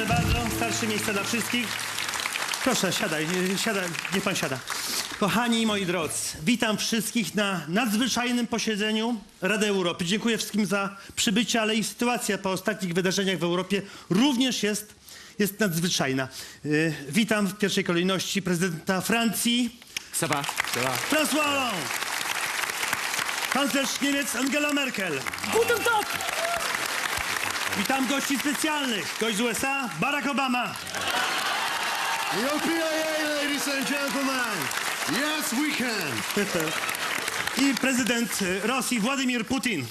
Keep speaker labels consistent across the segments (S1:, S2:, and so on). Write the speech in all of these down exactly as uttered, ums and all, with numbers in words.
S1: Proszę bardzo, starsze miejsce dla wszystkich. Proszę, siadaj, siadaj, niech pan siada. Kochani moi drodzy, witam wszystkich na nadzwyczajnym posiedzeniu Rady Europy. Dziękuję wszystkim za przybycie, ale i sytuacja po ostatnich wydarzeniach w Europie również jest, jest nadzwyczajna. Yy, witam w pierwszej kolejności prezydenta Francji,
S2: Ça va, ça va.
S1: François Hollande, kanclerz Niemiec Angela Merkel.
S3: Guten Tag!
S1: Witam gości specjalnych, gość z U S A, Barack Obama.
S4: Yo P I A, ladies and gentlemen. Yes, we can.
S1: I prezydent Rosji Władimir Putin.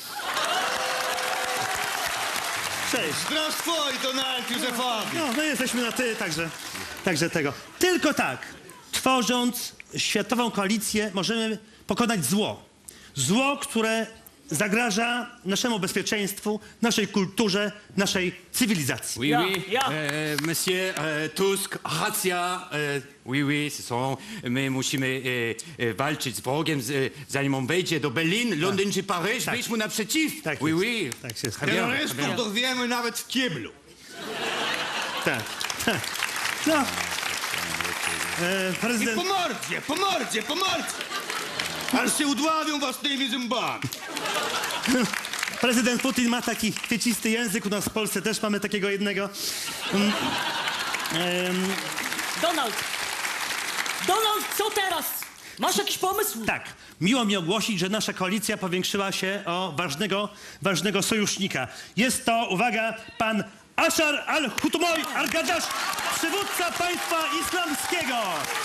S1: Cześć.
S2: Здравствуй, Donald Józefowicz.
S1: No, no jesteśmy na ty, także, także tego. Tylko tak, tworząc światową koalicję, możemy pokonać zło. Zło, które zagraża naszemu bezpieczeństwu, naszej kulturze, naszej cywilizacji.
S2: Oui,
S3: Ja,
S2: oui,
S3: ja.
S2: e, monsieur e, Tusk, racja. E, oui, oui, ce sont, my musimy e, e, walczyć z wrogiem, z, e, zanim on wejdzie do Berlin, Londyn czy Paryż,
S1: Tak.
S2: wyjść mu naprzeciw.
S1: Tak
S2: oui,
S1: jest.
S2: oui.
S1: Tak jest.
S2: Très bien, très
S5: Terrorystów
S2: bien.
S5: dorwiemy nawet w kiblu.
S1: Tak, tak. No. E,
S5: I
S1: prezydent...
S5: po mordzie, po mordzie, po mordzie. Aż się udławią własnymi zębami.
S1: Prezydent Putin ma taki kwiecisty język, u nas w Polsce też mamy takiego jednego. Mm, em,
S3: Donald! Donald, co teraz? Masz jakiś pomysł?
S1: tak, miło mi ogłosić, że nasza koalicja powiększyła się o ważnego, ważnego sojusznika. Jest to, uwaga, pan Ashar al-Hutmoy al-Gaddash, przywódca państwa islamskiego.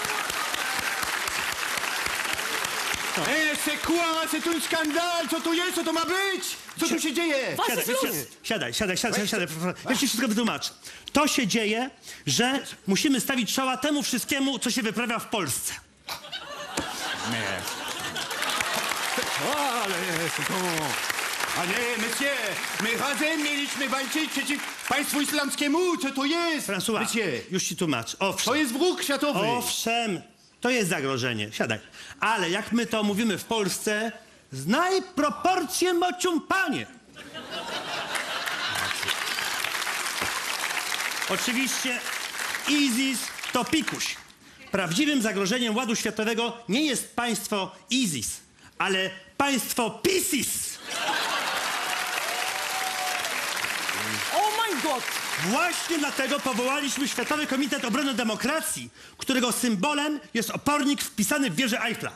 S2: E, c'est quoi? C'est un skandal! Co to jest? Co to ma być? Co tu się dzieje?
S3: Was
S1: Siadaj,
S3: ist los?
S1: siadaj, siadaj, siadaj, siadaj, siadaj. Ja ci wszystko wytłumaczę. To się dzieje, że musimy stawić czoła temu wszystkiemu, co się wyprawia w Polsce.
S2: Nie. O, ale jest to... A nie, monsieur, my razem mieliśmy walczyć przeciw państwu islamskiemu. Co to jest?
S1: François,
S2: Monsieur,
S1: już ci tłumaczę. Owszem.
S2: to jest wróg światowy.
S1: Owszem, to jest zagrożenie. Siadaj. Ale jak my to mówimy w Polsce, znaj proporcje mociumpanie. Oczywiście ISIS to pikuś. Prawdziwym zagrożeniem ładu światowego nie jest państwo ISIS, ale państwo PiSiS.
S3: Oh mein Gott!
S1: Właśnie dlatego powołaliśmy Światowy Komitet Obrony Demokracji, którego symbolem jest opornik wpisany w wieżę Eiffla.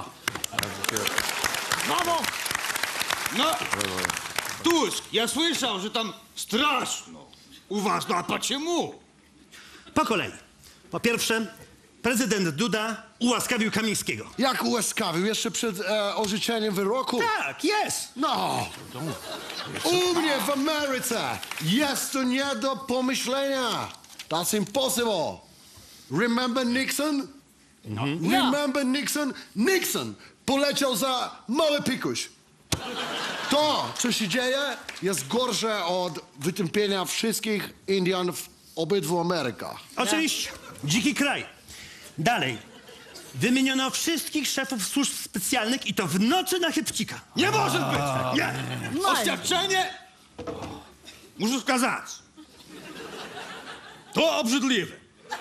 S3: Brawo!
S5: No, Tusk, ja słyszał, że tam straszno. U was, no a почему?
S1: Po kolei. Po pierwsze, prezydent Duda ułaskawił Kamińskiego.
S4: Jak ułaskawił jeszcze przed e, orzeczeniem wyroku?
S1: Tak, jest.
S4: No. U mnie w Ameryce jest to nie do pomyślenia. That's impossible. Remember Nixon? No. Remember Nixon? Nixon poleciał za mały pikuś. To, co się dzieje, jest gorsze od wytępienia wszystkich Indian w obydwu Amerykach.
S1: Oczywiście. Dziki kraj. Dalej. Wymieniono wszystkich szefów służb specjalnych i to w nocy na chybcika.
S5: Nie może być! Nie!
S3: Nein.
S5: Oświadczenie muszę skazać. To obrzydliwe.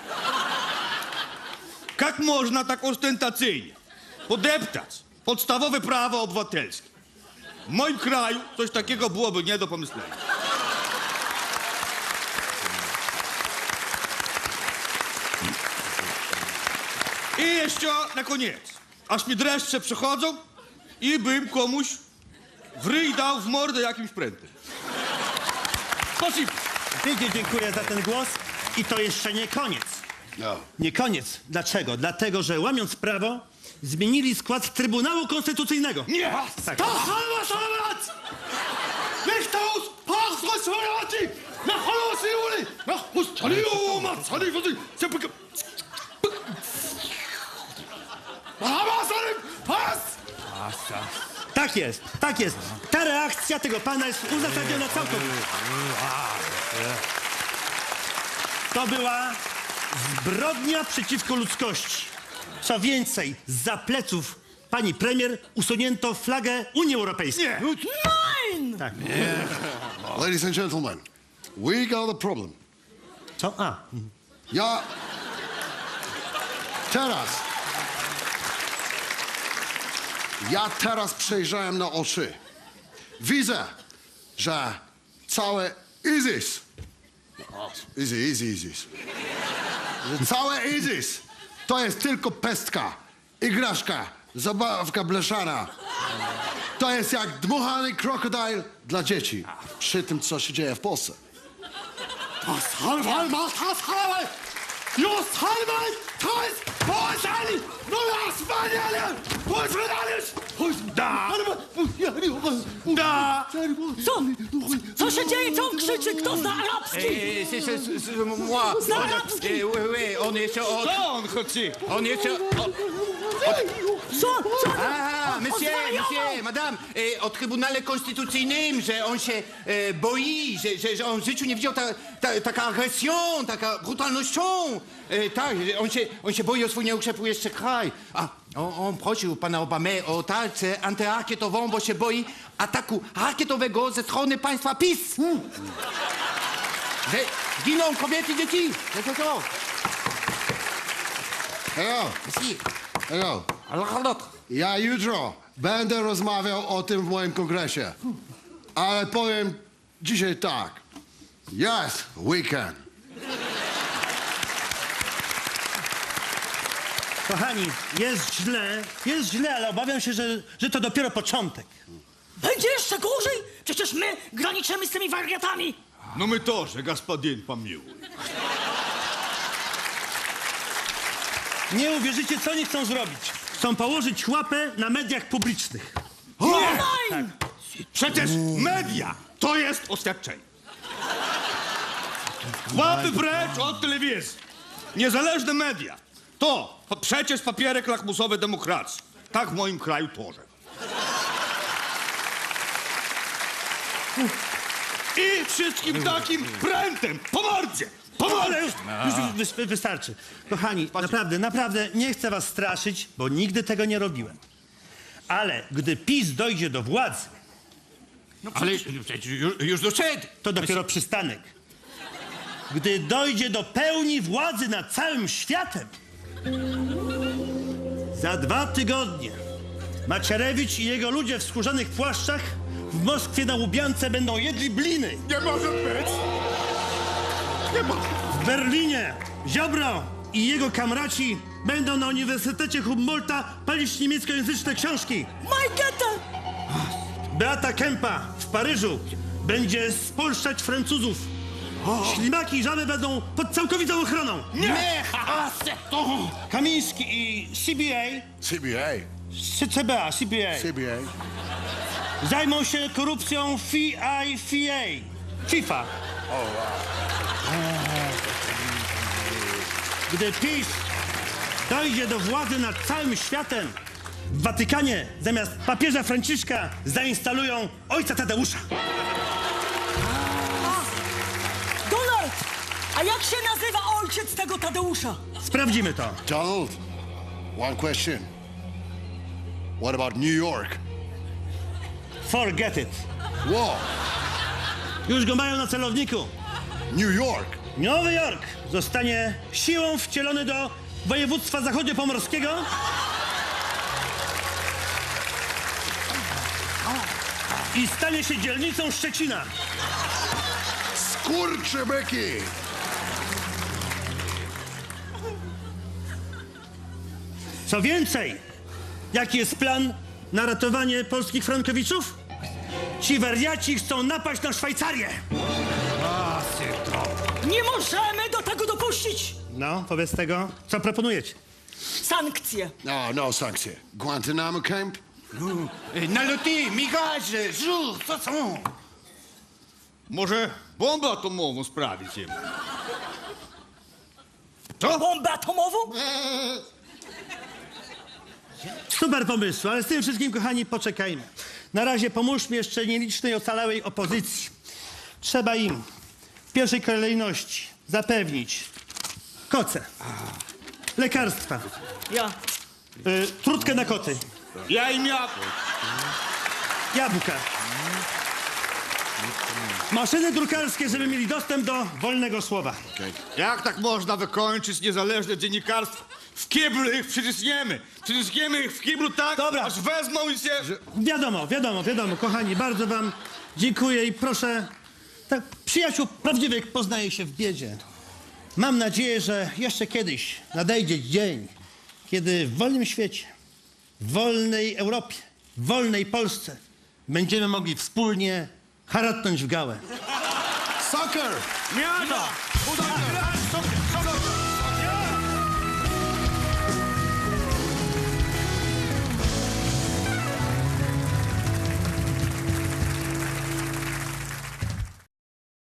S5: Jak można tak ostentacyjnie podeptać podstawowe prawa obywatelskie? W moim kraju coś takiego byłoby nie do pomyślenia. I jeszcze na koniec, aż mi dreszcze przechodzą i bym komuś w ryj dał w mordę jakimś prętem. Spasibo.
S1: Pięknie dziękuję za ten głos. I to jeszcze nie koniec.
S4: No.
S1: Nie koniec. Dlaczego? Dlatego, że łamiąc prawo, zmienili skład Trybunału Konstytucyjnego.
S5: Nie!
S1: Tak.
S5: To halva salamat! Lechtaus parsra salamati! Na halva siuli! Na hustaliuma! Salifati! Sepulka! Halva salim! Pas!
S1: Tak jest, tak jest. Ta reakcja tego pana jest uzasadniona całkowicie. To była zbrodnia przeciwko ludzkości. Co więcej, zza pleców pani premier usunięto flagę Unii Europejskiej.
S5: Nie!
S3: Nein!
S1: Tak.
S4: Ladies and gentlemen, we got a problem.
S1: Co? A.
S4: Ja teraz. Ja teraz przejrzałem na oczy. Widzę, że całe ISIS. Easy, easy, ISIS. Że całe ISIS to jest tylko pestka, igraszka, zabawka blaszana. To jest jak dmuchany krokodyl dla dzieci. Przy tym, co się dzieje w Polsce.
S2: Halwal, macht das halwal! Just halwal! To jest Polsali! No ja spaniale! Polsali! Da! Da!
S3: Co? Co się dzieje? Co on krzyczy? Kto zna arabski?
S2: Eh, c'est, c'est, c'est, c'est moi.
S3: Zna
S2: On,
S3: arabski.
S2: eh, oui, oui, on jeszcze od...
S5: Co on chce?
S2: On jeszcze... Od,
S3: Co? Co?
S2: a,
S3: On
S2: monsieur,
S3: zwariował!
S2: monsieur, madame, eh, o Trybunale Konstytucyjnym, że on się e, boi, że, że, że on w życiu nie widział ta, ta, taka agresją, taka brutalnością. E, tak, że on się, on się boi o swój nieukrzepły jeszcze kraj. A on, on prosił pana Obamę o tarczę antyrakietową, bo się boi ataku rakietowego ze strony państwa PiS. Że giną kobiety i dzieci. Że to to.
S4: Hello,
S2: Si.
S4: hello.
S2: Alors,
S4: Ja jutro będę rozmawiał o tym w moim kongresie. Ale powiem dzisiaj tak. Jest weekend.
S1: Kochani, jest źle, jest źle, ale obawiam się, że, że to dopiero początek.
S3: Będzie jeszcze gorzej? Przecież my graniczymy z tymi wariatami.
S5: No my тоже, господин помилуй.
S1: Nie uwierzycie, co oni chcą zrobić. Chcą położyć łapę na mediach publicznych.
S3: Online!
S5: Przecież media to jest oświadczenie. Łapy precz od telewizji. Niezależne media. To po- przecież papierek lakmusowy demokracji. Tak w moim kraju тоже. I wszystkim takim prętem, po mordzie, po
S1: Ale
S5: mordzie.
S1: już, już wys- wystarczy. Kochani, naprawdę, naprawdę nie chcę was straszyć, bo nigdy tego nie robiłem. Ale gdy PiS dojdzie do władzy,
S2: ale przecież już, już doszedł.
S1: to dopiero przystanek. Gdy dojdzie do pełni władzy nad całym światem, za dwa tygodnie Macierewicz i jego ludzie w skórzanych płaszczach w Moskwie na Łubiance będą jedli bliny.
S2: Nie może być. Nie może.
S1: W Berlinie Ziobro i jego kamraci będą na Uniwersytecie Humboldta palić niemieckojęzyczne książki.
S3: Majketa!
S1: Beata Kempa w Paryżu będzie spolszczać Francuzów. Ślimaki i żaby będą pod całkowitą ochroną.
S2: Nie. A, se to.
S1: Kamiński i C B A,
S4: C B A.
S1: C B A, C B A
S4: C B A.
S1: zajmą się korupcją F I F A, FIFA. Gdy PiS dojdzie do władzy nad całym światem, w Watykanie zamiast papieża Franciszka zainstalują ojca Tadeusza.
S3: Donald! A jak się nazywa ojciec tego Tadeusza?
S1: Sprawdzimy to.
S4: Donald, one question. What about New York?
S1: Forget it.
S4: Whoa,
S1: Już go mają na celowniku.
S4: New York.
S1: Nowy Jork zostanie siłą wcielony do województwa zachodniopomorskiego. I stanie się dzielnicą Szczecina.
S4: Skurczybyki.
S1: Co więcej, jaki jest plan na ratowanie polskich frankowiczów? Ci wariaci chcą napaść na Szwajcarię.
S3: Nie możemy do tego dopuścić!
S1: No, wobec tego, co proponujecie?
S3: Sankcje.
S4: No, no sankcje. Guantanamo Camp?
S2: No, e, naloty, migaże, żur, co są?
S5: Może bombę atomową sprawić im. Co?
S3: Bombę atomową?
S1: Super pomysł, ale z tym wszystkim, kochani, poczekajmy. Na razie pomóżmy jeszcze nielicznej ocalałej opozycji. Trzeba im w pierwszej kolejności zapewnić koce, lekarstwa,
S3: Ja.
S1: y, trutkę na koty,
S5: Ja im ja...
S1: jabłka, Maszyny drukarskie, żeby mieli dostęp do wolnego słowa.
S5: Jak tak można wykończyć niezależne dziennikarstwo? W kiblu ich przyciśniemy. Przyciśniemy ich w kiblu tak,
S1: Dobra.
S5: aż wezmą i się...
S1: Wiadomo, wiadomo, wiadomo, kochani, bardzo wam dziękuję i proszę, tak, przyjaciół prawdziwych poznaje się w biedzie. Mam nadzieję, że jeszcze kiedyś nadejdzie dzień, kiedy w wolnym świecie, w wolnej Europie, w wolnej Polsce będziemy mogli wspólnie haratnąć w gałę.
S4: Soccer!
S5: Miada! Soccer! Soccer!